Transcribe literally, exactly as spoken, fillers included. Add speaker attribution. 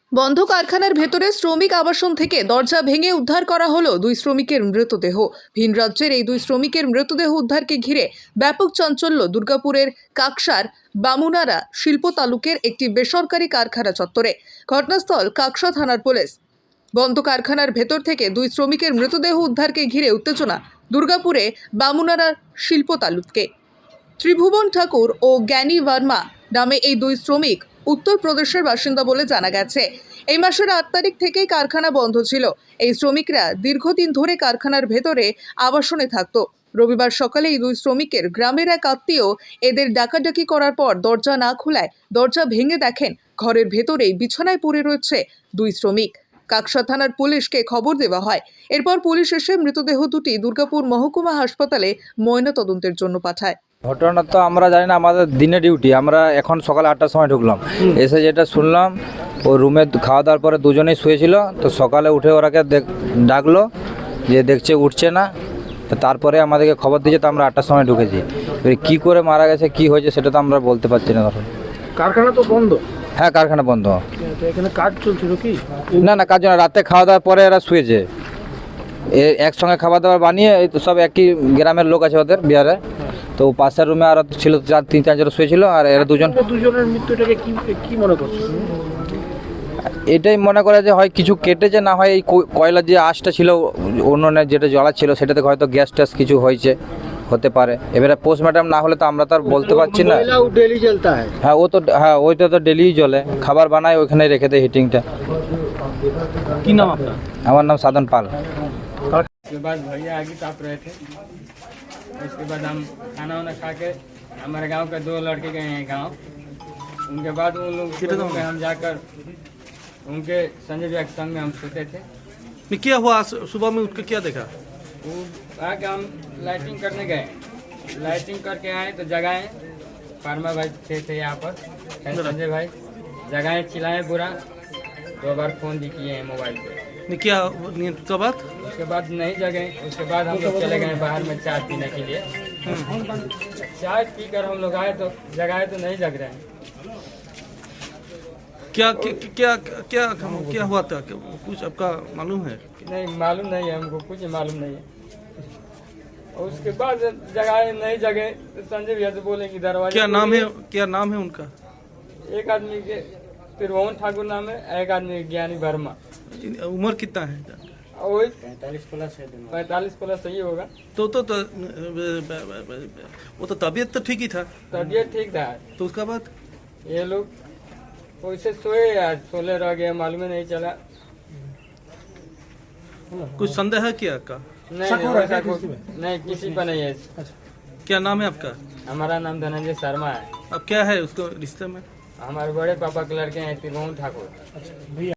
Speaker 1: বন্ধ কারখানার ভেতরে শ্রমিক আবাসন থেকে দরজা ভেঙে উদ্ধার করা হলো দুই শ্রমিকের মৃতদেহ। ভিন রাজ্যের এই দুই শ্রমিকের মৃতদেহ উদ্ধারকে ঘিরে ব্যাপক চাঞ্চল্য দুর্গাপুরের কাকসার বামুনারা শিল্প তালুকের একটি বেসরকারি কারখানা চত্বরে। ঘটনাস্থল কাকসা থানার পুলিশ। বন্ধ কারখানার ভেতর থেকে দুই শ্রমিকের মৃতদেহ উদ্ধারকে ঘিরে উত্তেজনা দুর্গাপুরে বামুনারা শিল্প তালুকে। ত্রিভুবন ঠাকুর ও জ্ঞানী ভার্মা নামে এই দুই শ্রমিক উত্তরপ্রদেশের বাসিন্দা বলে জানা গেছে। এই মাসের আট তারিখ থেকেই কারখানা বন্ধ ছিল। এই শ্রমিকরা দীর্ঘদিন ধরে কারখানার ভেতরে আবাসনে থাকতো। রবিবার সকালে এই দুই শ্রমিকের গ্রামের এক আত্মীয় এদের ডাকাডাকি করার পর দরজা না খোলায় দরজা ভেঙে দেখেন ঘরের ভেতরেই বিছানায় পড়ে রয়েছে দুই শ্রমিক। কাকসা থানার পুলিশকে খবর দেওয়া হয়। এরপর পুলিশ এসে মৃতদেহ দুটি দুর্গাপুর মহকুমা হাসপাতালে ময়নাতদন্তের জন্য পাঠায়।
Speaker 2: ঘটনা তো আমরা জানি না, আমাদের দিনে ডিউটি। আমরা এখন সকালে আটটার সময় ঢুকলাম, এসে যেটা শুনলাম ও রুমে খাওয়া দাওয়ার পরে দুজনেই শুয়েছিল। তো সকালে উঠে ওরাকে ডাকলো, যে দেখছে উঠছে না। তো তারপরে আমাদেরকে খবর দিয়েছে, তো আমরা আটটার সময় ঢুকেছি। কি করে মারা গেছে, কি হয়েছে সেটা তো আমরা বলতে পারছি না। তখন
Speaker 3: কারখানা তো বন্ধ।
Speaker 2: হ্যাঁ, কারখানা বন্ধ।
Speaker 3: এখানে কাজ চলছিল কি?
Speaker 2: না না, কাজ না। রাতে খাওয়া দাওয়ার পরে এরা শুয়েছে, একসঙ্গে খাবার দাবার বানিয়ে। এই তো সব একই গ্রামের লোক আছে ওদের, বিহারে। তো পাশের রুমে আর ছিল চার তিন চারজন শুয়েছিল, আর এরা দুজন।
Speaker 3: দুজনের মৃত্যুটাকে কি কি মনে করছো?
Speaker 2: এটাই মনে করে যে হয় কিছু কেটেছে, না হয় এই কয়লার যে আঁশটা ছিল উনুনে যেটা জ্বলা ছিল সেটাতে হয়তো গ্যাস ট্যাস কিছু হয়েছে, হতে পারে। এবারে পোস্টমর্টম না হলে তো আমরা তো আর বলতে পারছি না।
Speaker 3: ডেলি জ্বলতা হয়।
Speaker 2: হ্যাঁ, ও তো হ্যাঁ ওইটা তো ডেলি জ্বলে, খাবার বানায় ওইখানে রেখে দেয় হিটিংটা।
Speaker 3: কি নাম আপনার?
Speaker 2: আমার নাম সাধন পাল।
Speaker 4: उसके बाद भैया आगे ताप रहे थे। उसके बाद हम खाना वाना खा के हमारे गांव के दो लड़के गए हैं गांव। उनके बाद उन लोग में हम जाकर उनके संजय भैया के संग में हम सोते थे।
Speaker 3: क्या हुआ सुबह में उठ के क्या देखा?
Speaker 4: वो आके हम लाइटिंग करने गए, लाइटिंग करके आए तो जगाए फार्मा भाई थे थे यहाँ पर, संजय भाई जगाए, चिल्लाए बुरा, दो बार फोन भी किए हैं मोबाइल पे।
Speaker 3: क्या उसके बाद?
Speaker 4: उसके बाद नहीं जगे। उसके बाद हम लोग चले गए बाहर में चाय पीने के लिए। चाय पीकर हम लोग आए तो जगाए तो नहीं जग रहे हैं।
Speaker 3: क्या क्या क्या क्या क्या हुआ था? कुछ आपका मालूम है?
Speaker 4: नहीं मालूम नहीं है, हमको कुछ मालूम नहीं है। और उसके बाद जगाए नहीं जगे तो संजय भैया से बोले कि दरवाजा।
Speaker 3: क्या नाम है, क्या नाम है उनका?
Speaker 4: एक आदमी के त्रिभुवन ठाकुर नाम है, एक आदमी ज्ञानी वर्मा।
Speaker 3: उम्र कितना है?
Speaker 4: वही पैंतालीस प्लस है। पैंतालीस प्लस सही होगा।
Speaker 3: तो तो, तो वो तो तबीयत तो ठीक ही था।
Speaker 4: तबीयत ठीक था।
Speaker 3: तो उसका बाद
Speaker 4: ये लोग वैसे सोए, आज सोले रह गए, मालूम नहीं चला।
Speaker 3: कुछ संदेह है क्या का?
Speaker 4: नहीं नहीं, नहीं किसी पर नहीं है।
Speaker 3: क्या नाम है आपका?
Speaker 4: हमारा नाम धनंजय शर्मा है।
Speaker 3: अब क्या है उसको रिश्ते में?
Speaker 4: हमारे बड़े पापा के लड़के हैं त्रिभुवन ठाकुर।